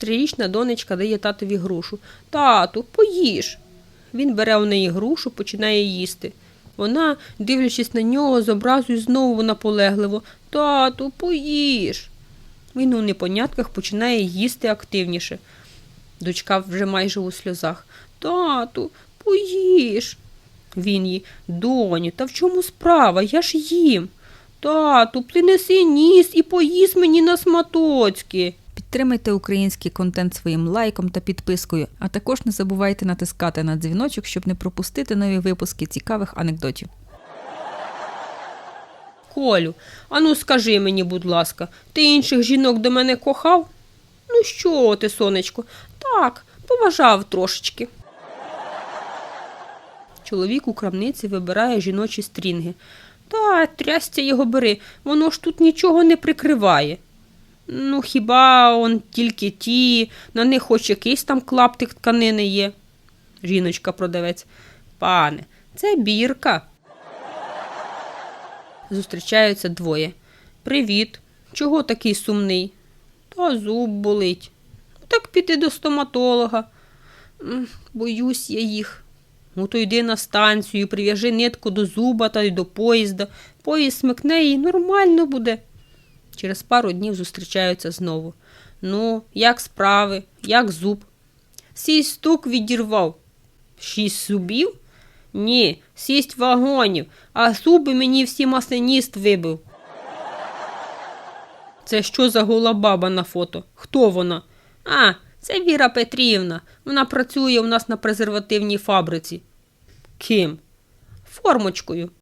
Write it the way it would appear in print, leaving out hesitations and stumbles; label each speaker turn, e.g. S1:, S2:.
S1: 3-річна донечка дає татові грушу. «Тату, поїж!» Він бере у неї грушу, починає їсти. Вона, дивлячись на нього, з образою знову наполегливо. «Тату, поїж!» Він у непонятках починає їсти активніше. Дочка вже майже у сльозах. «Тату, поїж!» Він їй. «Доню, та в чому справа? Я ж їм!» «Тату, принеси ніс і поїж мені на сматоцьки!»
S2: Підтримайте український контент своїм лайком та підпискою, а також не забувайте натискати на дзвіночок, щоб не пропустити нові випуски цікавих анекдотів.
S1: «Колю, ану скажи мені, будь ласка, ти інших жінок до мене кохав?» «Ну що ти, сонечко?» «Так, поважав трошечки». Чоловік у крамниці вибирає жіночі стрінги. «Та, трясця його бери, воно ж тут нічого не прикриває». «Ну, хіба он тільки ті, на них хоч якийсь там клаптик тканини є?» Жіночка-продавець. «Пане, це бірка». Зустрічаються двоє. «Привіт. Чого такий сумний?» «Та зуб болить». «Так піди до стоматолога». «Боюсь я їх». «Ну, то йди на станцію, прив'яжи нитку до зуба та й до поїзда. Поїзд смикне і нормально буде». Через пару днів зустрічаються знову. «Ну, як справи? Як зуб?» «6 штук відірвав». «6 зубів?» «Ні, 6 вагонів, а зуби мені всі масиніст вибив». «Це що за гола баба на фото? Хто вона?» «А, це Віра Петрівна. Вона працює у нас на презервативній фабриці». «Ким?» «Формочкою».